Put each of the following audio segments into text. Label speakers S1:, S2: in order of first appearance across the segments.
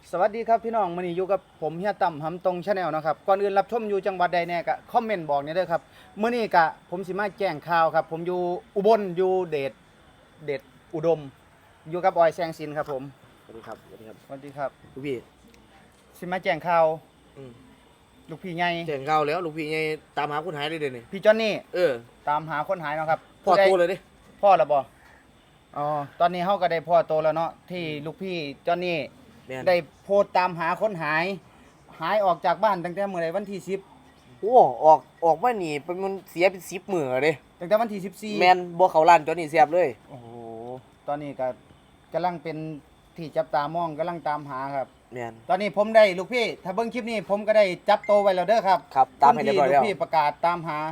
S1: สวัสดีครับพี่น้องมื้อนี้อยู่กับผมเฮียตั้มหำตรง Channel นะครับก่อนอื่นรับชมอยู่จังหวัดใดแน่ก็คอมเมนต์บอกนี่เด้อครับมื้อนี้ก็ผมสิมาแจ้งข่าวครับผมอยู่อุบลอยู่เดชอุดมอยู่กับออยแซงซินครับผม
S2: สวัสดีครับ สวัสดีครับ
S1: สวัสดีครับ
S2: ลูกพี่
S1: สิมาแจ้งข่าวลูกพี่ใหญ่
S2: แจ้งข่าวแล้วลูกพี่ไงตามหาคนหายเลยเดี๋ยวนี้
S1: พี่จอนนี่ตามหาคนหายเนาะครับ
S2: พ่อโตเลยดิ
S1: พ่อแล้วบ่อ๋อตอนนี้เฮาก็ได้พ่อโตแล้วเนาะที่ลูกพี่จอนนี่ได้โพสต์ตามหาคนหายออกจากบ้านตั้งแต่เมื่อไรวันที่10
S2: โอ้ออกมานี่เป็นมันเสียเป็น10 มื้อเด้
S1: ตั้งแต่วันที่14
S2: แม่นบ่เข้าร้านจนนี่เสียบเลย
S1: โอ้โหตอนนี้ก็กำลังเป็นที่จับตามองกำลังตามหาครับ
S2: แม่น
S1: ตอนนี้ผมได้ลูกพี่ถ้าเบิ่งคลิปนี้ผมก็ได้จับโตไว้แล้วเด้อครับ
S2: ครับตามให้เรียบร้อยแล้ว
S1: ลูกพี่ประกาศตามหา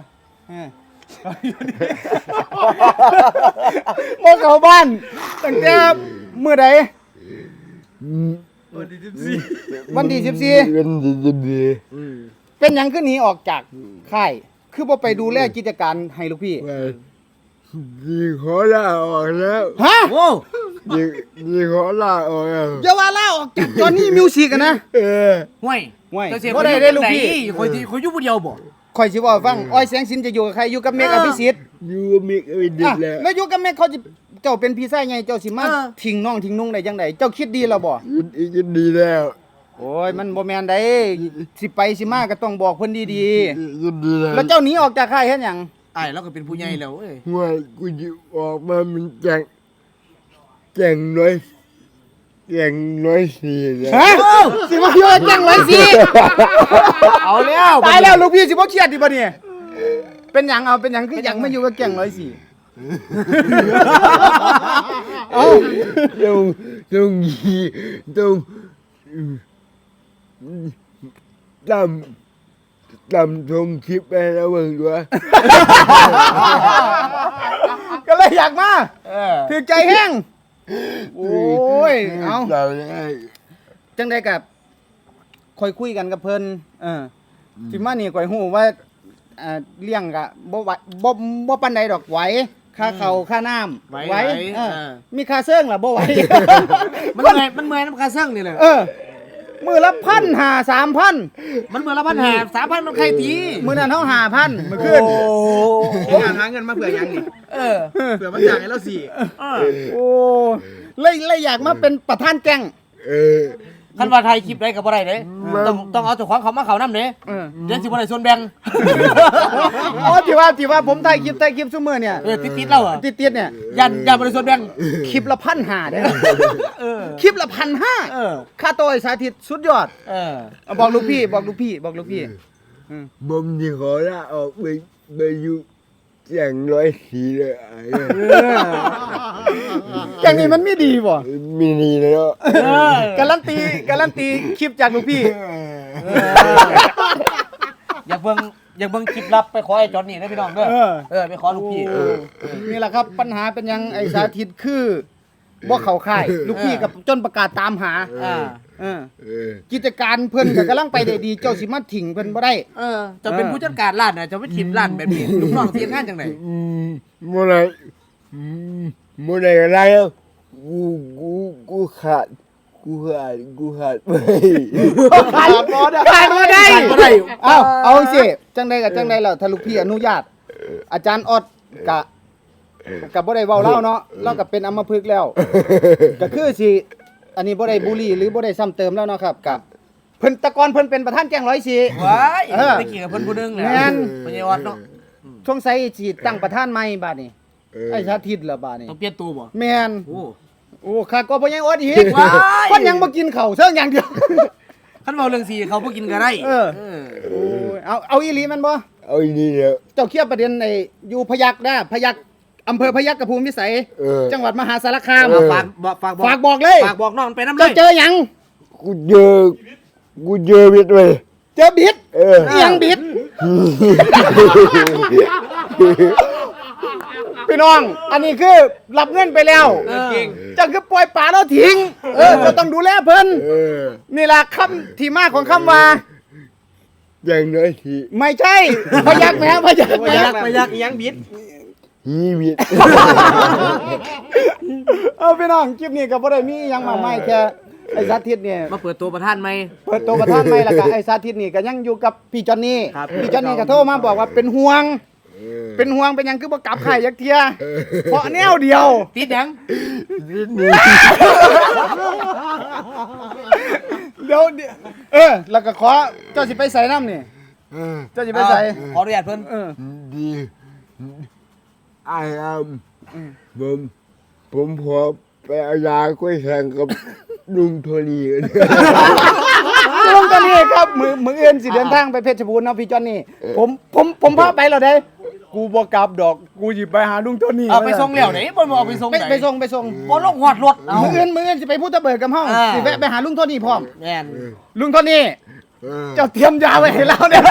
S1: บ่เข้าบ้านตั้งแต่มื้อใดวันที่14
S3: วันที่14
S1: เป็นหยังคือหนีออกจากค่ายคือบ่ไปดูแลกิจการให้ลูกพี่
S3: ดีขอลาออกแล้ว
S1: ฮะ
S2: โอ้
S3: ดีขอลาออกแล้ว
S1: อย่าว่าลาออกจากจอห์นนี่มิวสิกอะนะ
S2: ห่วย
S1: บ่ได้ลูกพี่
S2: ข่อยอยู่ผู้เดียวบ่
S1: ข่อยสิว่าฟังอ้อยแสงสินจะอยู่กับใครอยู่กับเมฆอภิสิทธิ์
S3: อยู่กับเมฆอภิสิทธิ์
S1: แล้วอยู่กับเมฆเขาจะเจ้าเป็นพี่ชายไงเจ้าสิมาทิ้งน้องทิ้งนุ่งได้จังไดเจ้าคิดดีแล้วบ่
S3: คิดดีแล้ว
S1: โอ้ยมันบ่แม่นได้สิไปสิมาก็ต้องบอกเพิ่นดี
S3: ๆคิดดีแล้ว
S1: แล้วเจ้าหนีออกจากค่ายเฮ็ดหยัง
S2: อ้ายเราก็เป็นผู้ใหญ่แล้วเอ้ย
S3: ห่วยกูสิออกมามันแจ้งน้อยสินะ
S1: ฮะสิมาอยู่แจ้งไว้สิ
S2: เอาแล้ว
S1: ตายแล้วลูกพี่สิบ่เครียดดิบ่เนี่ยเป็นหยังคือหยังมาอยู่กับแก่ง104
S3: เอ้าต้องตำทงคลิปไปแล้วเบิ่งด้วย
S1: ก็เลยอยากมาถือใจแห้งโอ้ยเอาจังได้กับค่อยคุยกันกับเพิ่นสิมานี่ข่อยฮู้ว่าเลี้ยงก็บ่ปานใดดอกไหวค่าข้าวค่าน้ำไหวมีค่าเซิงล่ะบ่ไหว
S2: มันเมื่อยน้ำค่าเซิงนี่แหละ
S1: มื้อละ1,500 3,000
S2: มันมื้อละ1,500 3,000มันใครตี
S1: มื้อนั้นเฮา5,000มื้อคืนหาเงินมาเผื่อหยังนี่เผื่อมาจ่ายให้เราสิโอ้เลยอยากมาเป็นประธานแก๊ง
S2: คันว่าไทยคลิปได้ก็บ่ได้เด้ต้องเอาเจ้าของเขามาเข้านำเด้เดี๋ยวสิบ่ได้ส่วนแบ่ง
S1: อ๋อที่ว่าผมถ่ายคลิปซุมื้อเนี่ย
S2: ติดแล้วอ่ะ
S1: ติดเนี่ย
S2: ยันบ่ได้ส่วนแบ่ง
S1: คลิปละ1,500เด้คลิปละ1,500ค่าตัวไอ้สาธิตสุดยอดบอกลูกพี่
S3: บ่มสิขอลาออกไปอยู่แจ้ง104เลย
S1: อย่างนี้มันไม่ดีบ่
S3: มีดีเลยเนาะ
S1: การันตีคลิปจากลูกพี่
S2: อยากเบิ่งคลิปลับไปขอไอ้จอนนี่นะพี่น้องเด้อไปขอลูกพี่
S1: นี่แหละครับปัญหาเป็นยังไอ้สาธิตคือบ่เข้าค่ายลูกพี่กับจนประกาศตามหากิจการเพิ่นก็กำลังไปได้ดีเจ้าสิมาทิ้งเพิ่นบ่ได้
S2: จะเป็นผู้จัดการร้านน่ะจะไปทิ้งร้านแบบนี้ลูกน้องเสียงานจังได๋
S3: บ่ได้อะไรแล้วกูขาดไป
S1: ขาดบ่ได้เอาสิจังได๋ก็จังได๋แล้วถ้าลูกพี่อนุญาตอาจารย์ออดก็บ่ได้เว้าเล่าเนาะเราก็เป็นอัมพฤกษ์แล้วก็คือสิอันนี้บ่ได้บูลลี่หรือบ่ได้ซ้ำเติมแล้วเนาะครับกับเพิ่นตะกอนเพิ่นเป็นประธานแก๊ง104
S2: ว้ายไปเกี่ยวกับเพิ่นผู้นึงแหละ
S1: แม่น
S2: บ่ใช่ออดเนาะ
S1: สงสัยสิตั้งประธานใหม่บัดนี้ไอ้สาธิตล่ะบัดนี้
S2: ต้องเปลี่ยนตัวบ่
S1: แม่นโอ้ข้าก็บ่ยังอดอีกคนยังบ่กินข้าวเทิงอย่างเดียว
S2: คันเว้าเรื่องสิเขาบ่กินก็ได้
S1: โอ้ยเอาอีหลีมันบ่
S3: เอาอีหลีแล้ว
S1: เจ้าเคลียร์ประเด็นไอ้อยู่พยัคฆ์นะพยัคฆ์อำเภอพยัคฆ์กระพูมวิสัยจังหวัดมหาสารคาม
S2: ฝากบอก
S1: เลย
S2: ฝากบอกน้องไปนำเลย
S1: เจอหยัง
S3: กูเจอบิดเว้ย
S1: เจอบิดยังบิดพี่น้องอันนี้คือรับเงินไปแล้วจะคือปล่อยป่าแล้วทิ้งจะต้องดูแลเพิ่นนี่ล่ะคำที่มาของคำว่า
S3: อย่างน้อยที
S1: ไม่ใช่พยัคฆ์แม่พยัคฆ์
S2: ยังบิด
S3: บิด
S1: พี่น้องคลิปนี้ก็บ่ได้มีหยังมากมายแค่ไอ้สาธิตเนี่ย
S2: มาเปิดตัวประธานไหม
S1: เปิดตัวประธานใหม่แล้วก็ไอ้สาธิตนี่ก็ยังอยู่กับพี่จอนนี่
S2: ครับ
S1: พี่จอนนี่ก็โทรมาบอกว่าเป็นห่วง เป็นห่วงเป็นหยังคือบ่กลับไข่ยักเทียเพราะแนวเดียว
S2: ติดหยัง
S1: เดี๋ยวแล้วก็ขอเจ้าสิไปใส่น้ำนี่เจ้าสิไปใส่
S2: ขออนุญาตเพิ่น
S3: ดีไอ้ผมพอไปเอายาก้วยแข่งกับลุงโทนี่กัน
S1: ลุงจอนนี่ครับมืออื่นสิเดินทางไปเพชรบูรณ์เนาะพี่จอนนี่ผมพาไปแล้วเด้กูบ่กลับดอกกูหยิบไปหาลุงโทนี่
S2: เอาไปส่งแล้วไหนบ่เอาไปส่งไหน
S1: ไปส่ง
S2: บ่ลงหอดรถเอา
S1: มืออื่นสิไปพูดตะเบิดกับเฮาสิแวะไปหาลุงโทนี่พร้อม
S2: แม่น
S1: ลุงโทนี่เจ้าเตรียมยาไว้ให้เราเนี่ย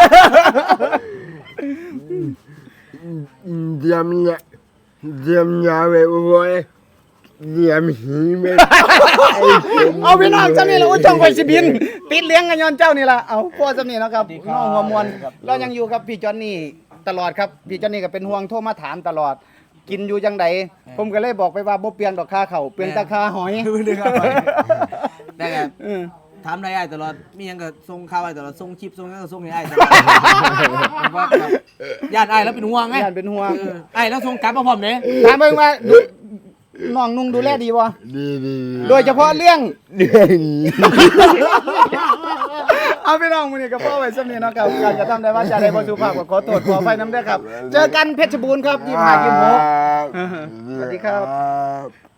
S3: เตรียมยาไว้บ่อยเตรียมหีไม่
S1: เอาพี่น้องจำนี่แหละอุ้ยจ้องไฟสิบินติดเลี้ยงกันย้อนเจ้านี่ล่ะเอาพ่อจำนี่นะครับน้องหัวมวลเรายังอยู่กับพี่จอนนี่ตลอดครับพี่จอนนี่ก็เป็นห่วงโทรมาถามตลอด กินอยู่จังไดผมก็เลยบอกไปว่าบ่เปลี่ยนดอกค่าเขาวเปลี่ยนแตาค่าหอย
S2: ได้ครับ
S1: เออ
S2: ถามได้อ้ายตลอดมีหยังก็ส่งข่าวอ้ายตลอดส่งคลิปส่งหยังก็ส่งให้อ้ายตลอดว่าแบบญาติอ้ายแล้วเป็นห่วงไง
S1: ย่านเป็นห่วง
S2: อ้ายแล้วส่งกลับมาพร้อมเด้
S1: ถามเบิ่งว่าน้องนุ่งดูแลดีบ่
S3: ดี
S1: โดยเฉพาะเรื่อง
S3: เรื่องนี้
S1: เอาพี่น้องมื้อนี้ก็พอไว้สำนี้เนาะครับการกระทำได้ว่าจะได้บ่สุภาพก็ขอโทษขออภัยนำเด้อครับ เจอกันเพชรบูรณ์ครับ25 26 สวัสดีครับ